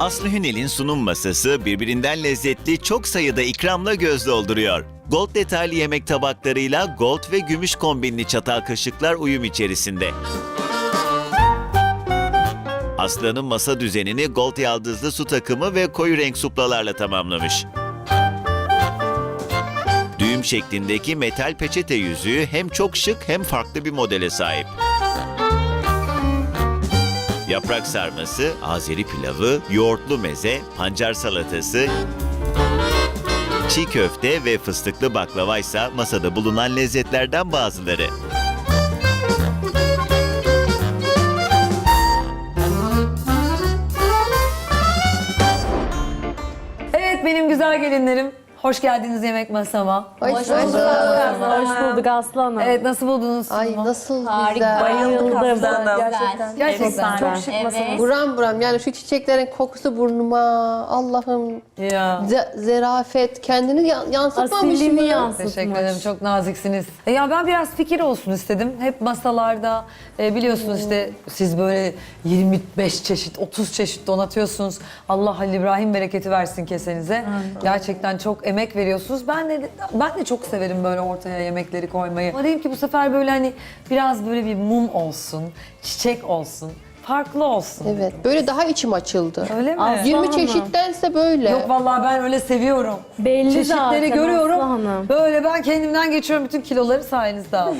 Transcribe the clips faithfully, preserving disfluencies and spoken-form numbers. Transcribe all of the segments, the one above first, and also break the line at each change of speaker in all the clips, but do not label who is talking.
Aslı Hünel'in sunum masası birbirinden lezzetli çok sayıda ikramla göz dolduruyor. Gold detaylı yemek tabaklarıyla gold ve gümüş kombinli çatal kaşıklar uyum içerisinde. Aslı'nın masa düzenini gold yaldızlı su takımı ve koyu renk suplalarla tamamlamış. Düğüm şeklindeki metal peçete yüzüğü hem çok şık hem farklı bir modele sahip. Yaprak sarması, Azeri pilavı, yoğurtlu meze, pancar salatası, çiğ köfte ve fıstıklı baklava ise masada bulunan lezzetlerden bazıları.
Evet benim güzel gelinlerim. Hoş geldiniz yemek masama.
Hoş
Hoş
bulduk.
bulduk. Hoş bulduk Aslı Hanım.
Evet nasıl buldunuz
Ay
sunumu?
nasıl
Harika.
güzel.
Bayıldım.
Gerçekten. Gerçekten.
Çok
şık.
şık masanız.
Buram buram yani şu çiçeklerin kokusu burnuma. Allah'ım.
Ya.
Ze- zerafet kendini ya- yansıtmamış
Asilliğini
mı?
yansıtmış.
Teşekkür ederim. Çok naziksiniz. E Ya ben biraz fikir olsun istedim. Hep masalarda e, biliyorsunuz işte siz böyle yirmi beş çeşit, otuz çeşit donatıyorsunuz. Allah Halil İbrahim bereketi versin kesenize. Gerçekten çok emek veriyorsunuz. Ben de ben de çok severim böyle ortaya yemekleri koymayı. Ama dedim ki bu sefer böyle hani biraz böyle bir mum olsun, çiçek olsun, farklı olsun.
Evet böyle daha içim açıldı.
Öyle mi?
Aslı
yirmi
Hanım.
çeşittense böyle.
Yok vallahi ben öyle seviyorum.
Belli
Çeşitleri
zaten
görüyorum.
Aslı Hanım.
Böyle ben kendimden geçiyorum, bütün kiloları sayenizde aldım.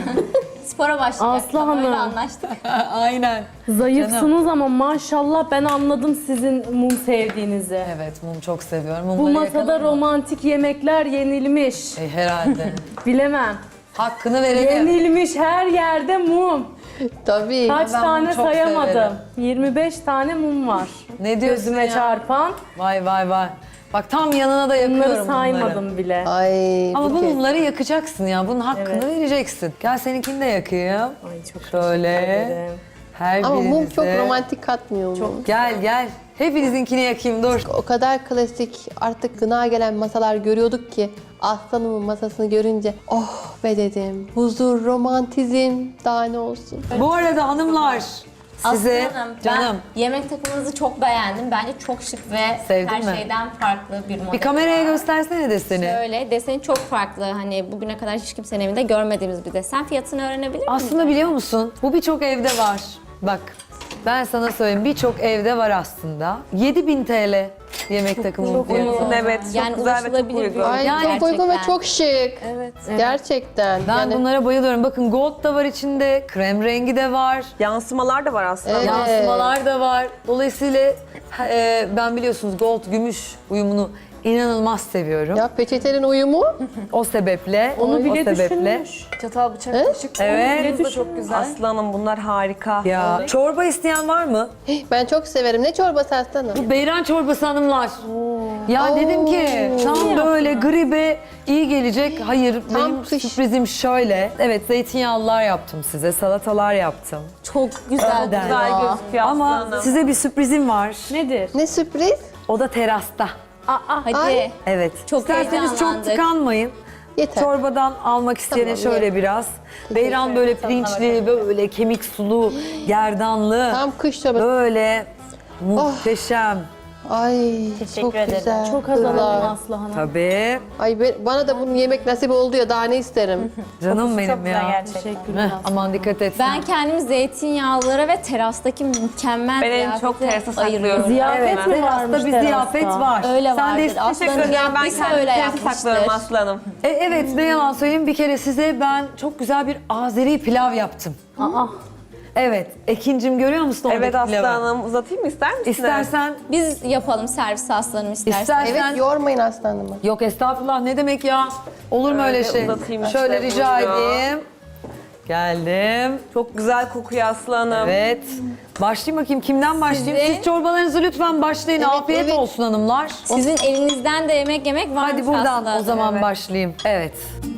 Spora başlayacak.
Aslı Hanım.
Öyle anlaştık.
Aynen.
Zayıfsınız ama maşallah ben anladım sizin mum sevdiğinizi.
Evet, mum çok seviyorum.
Bu
Mumları
masada
yakalım mı?
romantik yemekler yenilmiş.
E, herhalde.
Bilemem.
Hakkını verelim.
Yenilmiş her yerde mum.
Tabii.
Kaç
Ben
tane
bunu çok
sayamadım.
severim.
yirmi beş tane mum var.
Ne diyorsun
Gözüme
ya?
çarpan.
Vay vay vay. Bak tam yanına da yakıyorum
Bunları saymadım
bunları.
bile.
Ay
Ama bu
Buket.
mumları yakacaksın ya. Bunun hakkını
Evet.
vereceksin. Gel seninkini de yakayım.
Ay çok
Şöyle.
teşekkür ederim.
Her
Ama
birinize.
mum çok romantik katmıyor mu?
Gel gel. Hepinizinkini yakayım dur.
O kadar klasik artık gına gelen masalar görüyorduk ki Aslanımın masasını görünce oh be dedim. Huzur, romantizm daha ne olsun.
Bu arada hanımlar size
Aslı Hanım,
canım
ben yemek takımınızı çok beğendim. Bence çok şık ve
Sevdin
her
mi?
şeyden farklı bir model.
bir kameraya göstersene deseni.
Öyle, deseni çok farklı. Hani bugüne kadar hiç kimsenin evinde görmediğimiz bir desen. Fiyatını öğrenebilir miyim?
Aslında biliyor musun? Bu birçok evde var. Bak ben sana söyleyeyim birçok evde var aslında. yedi bin T L yemek takımının fiyatı.
Evet, çok
yani
güzel ve çok
ulaşılabilir
uygun.
bir
Ay
Yani
çok uygun ve
gerçekten.
çok şık.
Evet.
Gerçekten.
Ben
yani
bunlara bayılıyorum. Bakın gold da var içinde, krem rengi de var.
Yansımalar da var aslında.
Evet.
Yansımalar da var. Dolayısıyla e, ben biliyorsunuz gold gümüş uyumunu inanılmaz seviyorum.
ya peçetenin uyumu
O sebeple,
Onu bile
o sebeple.
düşünmüş.
Çatal bıçak kaşık.
Evet.
Bu da çok güzel.
Aslanım bunlar harika.
Ya çorba isteyen var mı?
ben çok severim. Ne çorbası Aslanım?
Bu beyran çorbası hanımlar. Ya
Oo.
dedim ki tam böyle gribe iyi gelecek. Hayır
Tam
benim
kış.
sürprizim şöyle. Evet zeytinyağlılar yaptım size, salatalar yaptım.
Çok güzel
Önden.
Güzel
duruyor.
gözüküyor
Ama
aslanım.
size bir sürprizim var.
Nedir?
Ne sürpriz?
O da terasta.
Aa,
Hadi.
Ay.
Evet.
Çok
İsterseniz çok
heyecanlandık.
tıkanmayın.
Yeter.
Çorbadan almak isteyene
Tamam,
şöyle
ye.
biraz. Beyran böyle pirinçli, böyle kemik sulu, gerdanlı.
Tam kış çorbası.
Böyle muhteşem.
Ay çok güzel.
çok kazanalım
Kızlar.
Aslı Hanım.
Tabii.
Ay ben- bana da bunun yemek nasip oldu ya daha ne isterim.
Canım benim ya.
Teşekkürler.
Heh, aman dikkat et.
Ben kendimi zeytinyağlılara ve terastaki mükemmel
Ben en
ziyafete
çok terasa
ayırıyorum.
saklıyorum.
Ziyafet
Evet,
mi varmış
terasta bir
terasta?
ziyafet var.
Öyle
Sen de
vardır.
iste-
Aslanım
Teşekkür ederim. Ben
yaptıysa
kendimi
öyle
terasa saklıyorum
yapmıştır.
aslanım.
E, evet ne yalan söyleyeyim bir kere size ben çok güzel bir Azeri pilav yaptım.
Aa,
Evet. Ekincim görüyor musun
Evet
oradaki pilavı?
aslanım uzatayım mı ister misin?
İstersen,
Biz yapalım servis aslanım istersen.
istersen.
Evet yormayın Aslanım'ı.
Yok estağfurullah ne demek ya? Olur mu öyle
Öyle
şey?
uzatayım
Şöyle
işte,
rica
buyurun.
edeyim. Geldim.
Çok güzel kokuyor aslanım.
Evet. Başlayayım bakayım kimden başlayayım?
Size-
Siz çorbalarınızı lütfen başlayın.
Evet,
Afiyet
evet.
olsun hanımlar.
Sizin elinizden de yemek yemek var
Hadi buradan o zaman başlayayım. Evet.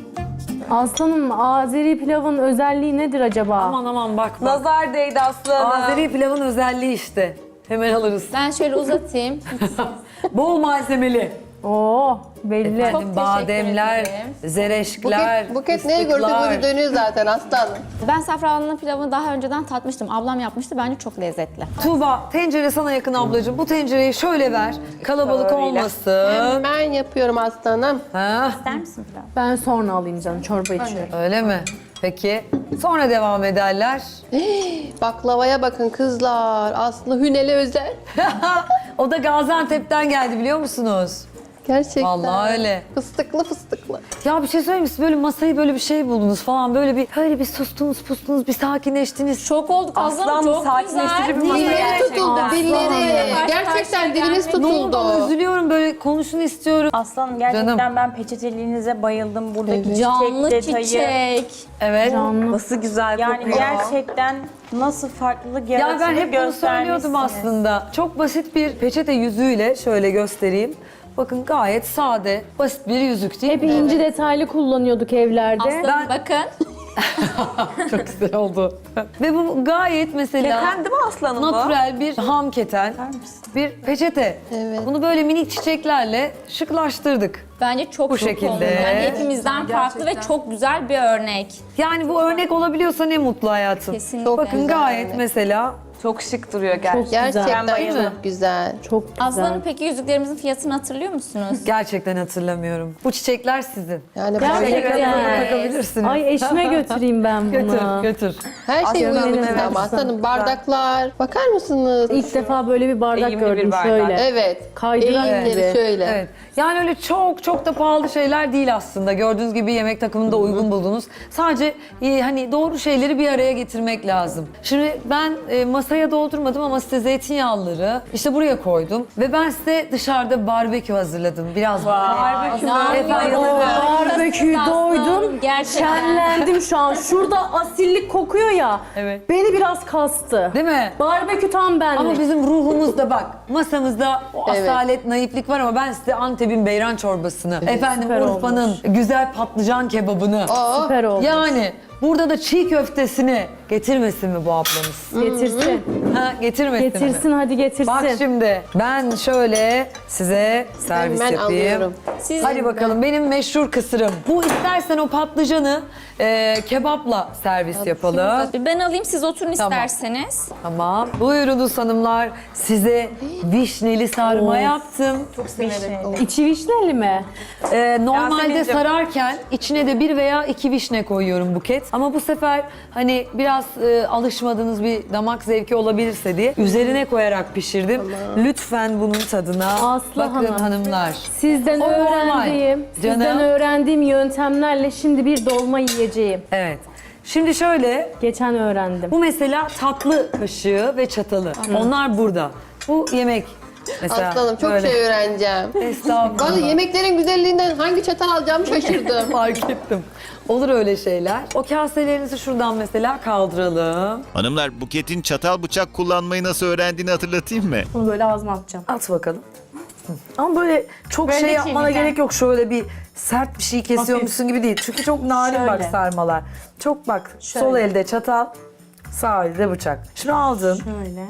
Aslanım Azeri pilavın özelliği nedir acaba?
Aman aman bak bak.
Nazar değdi aslanım.
Azeri pilavın özelliği işte. Hemen alırız.
Ben şöyle uzatayım.
Bol malzemeli.
Oo belli.
Çok
Efendim, bademler,
teşekkür ederim.
zereşkler,
Buket, buket neye gördü
fıstıklar.
gözü dönüyor zaten aslanım.
Ben safranlı pilavını daha önceden tatmıştım. Ablam yapmıştı. Bence çok lezzetli.
Tuğba, tencere sana yakın ablacığım. Bu tencereyi şöyle ver. Kalabalık
Şöyle.
olmasın.
Ben yapıyorum aslanım.
Ha,
İster misin pilav?
Ben sonra alayım canım çorba içiyorum.
öyle mi? Peki. Sonra devam ederler.
Baklavaya bakın kızlar. Aslı Hünel'e özel.
O da Gaziantep'ten geldi biliyor musunuz?
Gerçekten.
Vallahi öyle.
Fıstıklı fıstıklı.
Ya bir şey söyleyeyim mi? Siz böyle masayı böyle bir şey buldunuz falan. Böyle bir böyle bir sustunuz pustunuz, bir sakinleştiniz.
Çok olduk Aslanım.
Aslan
Çok
sakinleştirici bir
güzel.
masa
Niye?
Dilimiz
gerçekten.
tutuldu, dilleri.
Karşı
Gerçekten
karşıya
dilimiz
gelmek.
Ne oldu?
tutuldu.
Üzülüyorum, böyle konuşun istiyorum.
Aslanım gerçekten
Canım.
ben peçeteliğinize bayıldım. Buradaki
Canlı
çiçek detayı.
çiçek.
Evet.
Nasıl güzel
Yani
kokuyor.
gerçekten nasıl farklılık
Ya
yarattığını
ben hep bunu söylüyordum
göstermişsiniz.
aslında. Çok basit bir peçete yüzüğüyle şöyle göstereyim. Bakın gayet sade, basit bir yüzük değil
Hep
mi?
inci detaylı kullanıyorduk evlerde.
Aslanım
Ben-
bakın.
Çok güzel oldu. Ve bu gayet mesela
Keten değil mi aslanım bu?
natürel bir ham keten, bir peçete.
Evet.
Bunu böyle minik çiçeklerle şıklaştırdık.
Bence çok
Bu
çok
şekilde.
olmuş. Yani hepimizden farklı ve çok güzel bir örnek.
Yani bu örnek olabiliyorsa ne mutlu hayatım.
Kesinlikle.
Bakın
güzel
gayet
örnek.
mesela
Çok şık duruyor gerçekten.
Gerçekten
Değil mi?
çok güzel.
Çok güzel.
Aslanım peki yüzüklerimizin fiyatını hatırlıyor musunuz?
gerçekten hatırlamıyorum. Bu çiçekler sizin.
Yani
Gerçekten.
böyle
Evet.
Bakabilirsiniz.
Ay eşime götüreyim ben bunu.
Götür, götür.
her şey
Aslanım,
uyumlu
evet.
ama aslanım bardaklar. Bakar mısınız?
İlk defa böyle bir bardak
Eğimli bir
gördüm
bardak.
şöyle.
Evet.
Kaydırak
Eğimleri
gibi.
şöyle.
Evet. Yani öyle çok çok da pahalı şeyler değil aslında. Gördüğünüz gibi yemek takımını da uygun buldunuz. Sadece e, hani doğru şeyleri bir araya getirmek lazım. Şimdi ben e, masaya doldurmadım ama size zeytinyağlıları işte buraya koydum. Ve ben size dışarıda barbekü hazırladım. Biraz
Barbekü mü?
Efendim,
Barbeküyü doydum.
Gerçekten.
Şenlendim şu an. Şurada asillik kokuyor ya.
Evet.
Beni biraz kastı.
değil mi?
Barbekü tam benlik.
Ama bizim ruhumuzda bak, masamızda o
Evet.
asalet, naiflik var ama ben size Antep'in beyran çorbasını, efendim
süper
Urfa'nın güzel patlıcan kebabını,
Aa,
Süper oldu.
yani burada da çiğ köftesini getirmesin mi bu ablamız?
Getirsin.
Ha, getirmesin mi?
Getirsin hadi getirsin.
Bak şimdi ben şöyle size servis
Hemen
yapayım.
alıyorum.
Siz
Hadi bakalım benim meşhur kısırım. Bu istersen o patlıcanı e, kebapla servis yapalım.
ben alayım siz oturun
Tamam.
isterseniz.
Tamam. Buyurunuz hanımlar. Size vişneli sarma yaptım.
İçi vişneli mi?
Ee, normalde
Yasemin'cim.
sararken içine de bir veya iki vişne koyuyorum Buket. Ama bu sefer hani biraz e, alışmadığınız bir damak zevki olabilirse diye üzerine koyarak pişirdim. Lütfen bunun tadına
Aslı
bakın
Hanım.
hanımlar.
Sizden
O normal.
öğrendiğim,
Canım.
sizden öğrendiğim yöntemlerle şimdi bir dolma yiyeceğim.
Evet. Şimdi şöyle,
Geçen öğrendim.
bu mesela tatlı kaşığı ve çatalı. Onlar burada. Bu yemek mesela.
aslanım çok
böyle.
şey öğreneceğim.
Estağfurullah.
Vallahi yemeklerin güzelliğinden hangi çatal alacağımı şaşırdım.
Fark ettim. Olur öyle şeyler. O kaselerinizi şuradan mesela kaldıralım.
Hanımlar, Buket'in çatal bıçak kullanmayı nasıl öğrendiğini hatırlatayım mı?
Bunu böyle ağzıma atacağım.
At bakalım. Hı. Ama böyle çok
Böyle
şey yapmana
çiğneyeceğim.
gerek yok. Şöyle bir sert bir şey kesiyormuşsun gibi değil. Çünkü çok narin bak
Şöyle.
sarmalar. Çok bak, sol
Şöyle.
elde çatal, sağ elde bıçak. Şunu aldın.
Şöyle.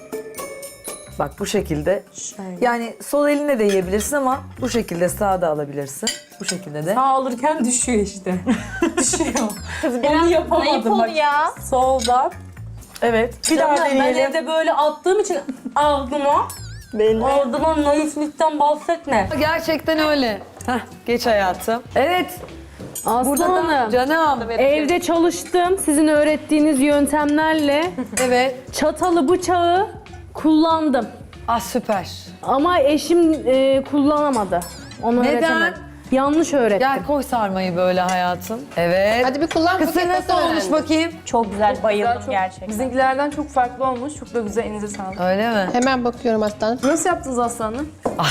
Bak bu şekilde.
Şöyle.
Yani sol eline de yiyebilirsin ama bu şekilde sağda alabilirsin. Bu şekilde de.
Sağ alırken düşüyor işte. düşüyor. Onu
Naif
yapamadım
ol
bak.
ya.
Soldan.
Evet. Bir daha
Canım, ben
deneyelim.
evde böyle attığım için aldıma.
Belli.
Aldıma naiflikten bahsetme.
Gerçekten öyle. Heh, geç hayatım. Evet.
Aslı
Burada da
Hanım.
canım.
Evde çalıştım sizin öğrettiğiniz yöntemlerle.
Evet.
Çatalı bıçağı kullandım.
Ah süper.
Ama eşim e, kullanamadı. Onu
Neden?
öğretemedi. Yanlış öğrettim.
Gel koy sarmayı böyle hayatım. Evet.
Hadi bir kullan
Kısır
Buket,
nasıl
nasıl
olmuş
öğrendin?
bakayım?
Çok güzel bayıldım
Çok-
gerçekten.
Bizimkilerden çok farklı olmuş. Çok da güzel, elinize sağlık.
Öyle mi?
Hemen bakıyorum aslanım.
Nasıl yaptınız aslanım?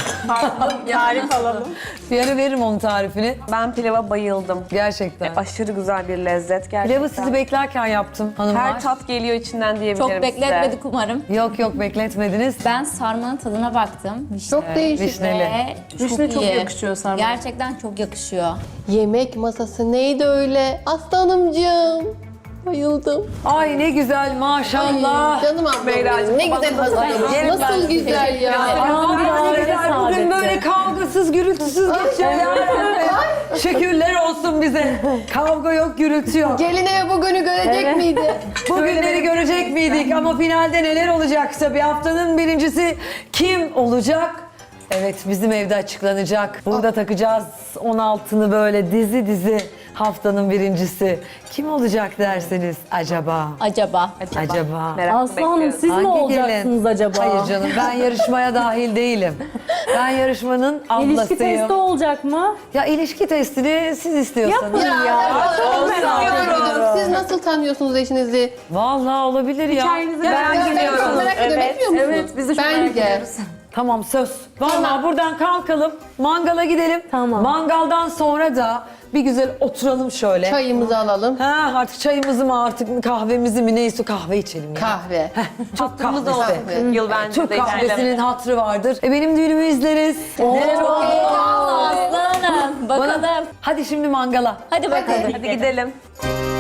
Tarif alalım.
Bir ara veririm onun tarifini.
Ben pilava bayıldım.
Gerçekten.
Aşırı güzel bir lezzet gerçekten.
Pilavı sizi beklerken yaptım hanımlar.
Her tat geliyor içinden diyebilirim
Çok bekletmedik umarım.
Yok yok bekletmediniz.
Ben sarmanın tadına baktım. Vişne.
Çok değişik.
Vişneli.
Ve
Vişne çok
iyi.
yakışıyor sarmaya.
Gerçekten çok yakışıyor.
Yemek masası neydi öyle? Aslanımcığım. Bayıldım.
Ay ne güzel maşallah.
Canım ablam benim. Ne güzel hazırlamış.
yerim ben
Nasıl
sizi.
güzel ya.
Aman
Aman
ne güzel. Bugün
saadetli.
böyle kavgasız, gürültüsüz geçiyor ya. Şükürler olsun bize. Kavga yok, gürültü yok.
Gelin eve bugünü görecek miydi?
Bugünleri görecek miydik ama finalde neler olacaksa bir haftanın birincisi kim olacak? Evet bizim evde açıklanacak. Burada takacağız on altını böyle dizi dizi haftanın birincisi. Kim olacak derseniz acaba?
Acaba.
Acaba.
Merakla
Aslı Hanım
bekliyoruz.
siz mi
Hangi
olacaksınız
gelin?
acaba?
Hayır canım ben yarışmaya dahil değilim. Ben yarışmanın
İlişki
ablasıyım.
testi olacak mı?
Ya ilişki testini siz istiyorsanız.
Ya,
çok merak
ediyorum. Siz nasıl tanıyorsunuz eşinizi?
Vallahi olabilir ya.
Hikayenizi
Ya,
merak
ben
ediyorum.
Çok merak ediyorum.
Evet,
Etmiyor musunuz?
evet, biz de çok merak
Bence.
ediyoruz.
Tamam söz. Vallahi
Tamam.
buradan kalkalım. Mangala gidelim.
Tamam.
Mangaldan sonra da bir güzel oturalım şöyle.
Çayımızı alalım.
Ha artık çayımızı mı artık kahvemizi mi neyse kahve içelim ya.
Kahve.
Çok kahvesi.
Kahve.
Yıl bence
Türk
de
kahvesinin hatırı vardır. E benim düğünümü izleriz. Neler oldu?
Aslı Hanım bakalım.
Hadi şimdi mangala.
Hadi bakalım.
Hadi gidelim.